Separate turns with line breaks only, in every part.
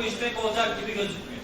iş pek olacak gibi gözükmüyor.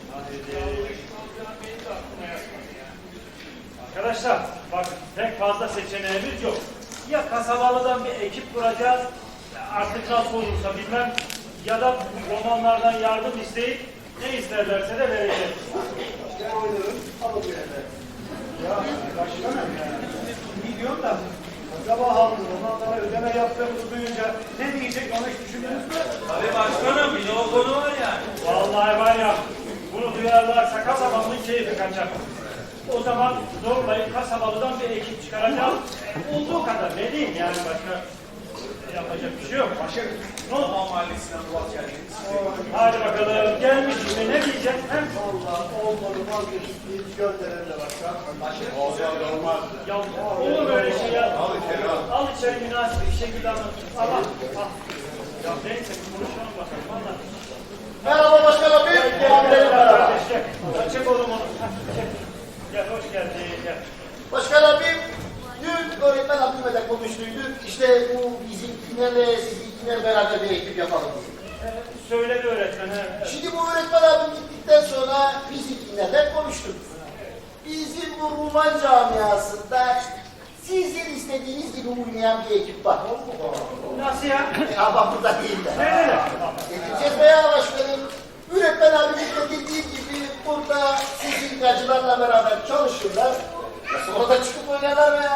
Arkadaşlar bakın pek fazla seçeneğimiz yok. Ya kasabalıdan bir ekip kuracağız, artık nasıl olursa bilmem, ya da romanlardan yardım isteyip ne isterlerse de vereceğiz.
Ben oynarım, alın bir yere. Ya başkanım ya. Milyon da sabah halkı romanlara ödeme yaptığımızı duyunca ne diyecek onu hiç düşündünüz mü?
Tabii başkanım, bir de o konu var yani.
Vallahi var ya, bunu duyarlarsa kasabanın keyfi kaçar. O zaman zorlayıp kasabalıdan bir ekip çıkaracağız. Olduğu kadar ne diyeyim yani, başka yapacak bir şey yok.
Başkanım.
Ne oldu?
Roman Mahallesi'nden dua geldiniz.
Hadi bakalım, gelmiş şimdi ne diyecek? Hem
Allah olmadı vazgeçip bir gönderelim de başkan. Başkanım. Olmaz.
ya olur böyle şey ya. Al içeri münasip bir şekilde anlat. Ama ya neyse konuşalım bakalım. Valla.
Merhaba başkanım.
Gel kardeş gel. Çek oğlum onu. Çek. Gel hoş geldin. Gel.
Başkan abim, dün öğretmen abimle de konuştuyduk. İşte bu bizimkilerle sizinkiler beraber bir ekip yapalım diye.
Söyledi öğretmen. Evet.
Şimdi bu öğretmen abim gittikten sonra bizimkilerle konuştuk. Bizim bu Ruman camiasında sizin istediğiniz gibi uymayan bir ekip var.
Nasıl ya?
Ama burada değil de.
Nerede?
Getireceğiz veya başkanım. Öğretmen abimin de dediği gibi burada sizin gacılarla beraber çalışırlar. Ya sonra da çıkıp oynarlar mı ya?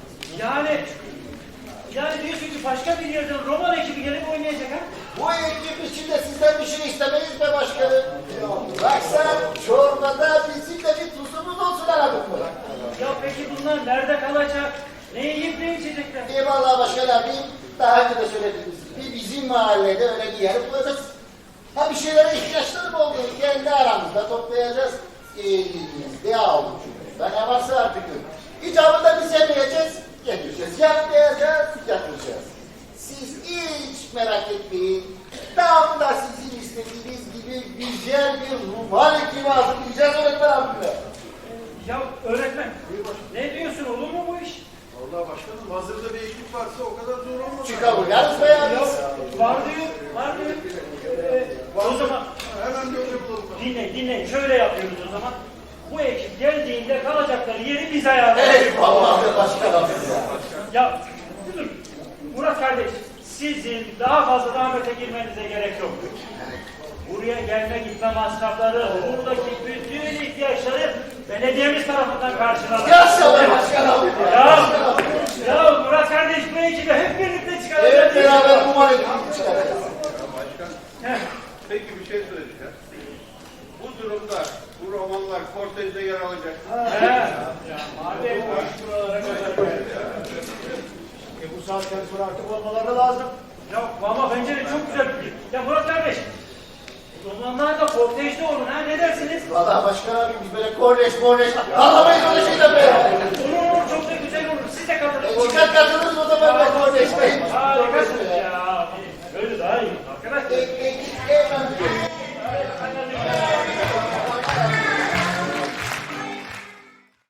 Yani diyorsun ki başka bir yerden roman ekibi gelip oynayacak ha?
Bu ekip içinde sizden bir şey istemeyiz be başkanım. Bak sen çorbada bizim de bir tuzumuz olsun aradık mı?
Ya peki bunlar nerede kalacak? Ne yiyip ne içecekler?
Eyvallah başkan abi, daha önce de söylediğimiz gibi bizim mahallede öyle bir yer bulacağız. Ha bir şeylere ihtiyaçları oldu, kendi aramızda toplayacağız. Elimizde avucumuzda ne varsa artık. İcabında biz yemeyeceğiz, yedireceğiz. Yapmayacağız, yapmayacağız. Siz hiç merak etmeyin. Tam da sizin istediğiniz gibi güzel bir Ruman ekibi hazırlayacağız öğretmen abimle.
Ya öğretmen, ne diyorsun, olur mu bu iş?
Vallahi başkanım hazırda bir ekip varsa o kadar zor olmaz.
Çıkabiliriz be ya biz.
Var diyor, var diyor. O zaman
Hemen bir hoca bulalım.
dinleyin, şöyle yapıyoruz o zaman. Bu ekip geldiğinde kalacakları yeri biz ayarlayalım.
Eyvallah be başkan abi ya.
Ya dur, Murat kardeş, sizin daha fazla zahmete girmenize gerek yok. Buraya gelme gitme masrafları, buradaki bütün ihtiyaçları belediyemiz tarafından karşılanır.
Yaşa be başkan abi
Ya Murat kardeş, bu ekibi hep birlikte çıkaracağız.
Hep beraber Ruman ekibini çıkaracağız.
Başkan,
Heh.
peki bir şey söyleyeceğim. Bu durumda bu romanlar kortejde yer alacak.
Ya madem buralara kadar
Bu saatten sonra artık olmaları lazım.
Ya ama bence de çok güzel fikir. Ya Murat kardeş, romanlar da kortejde olun ha, ne dersiniz?
Valla başkan abi biz böyle korneş anlamayız öyle şeyler be.
Olur, çok da güzel olur. Siz de katılın.
Çıkar katılırız o zaman be korneş.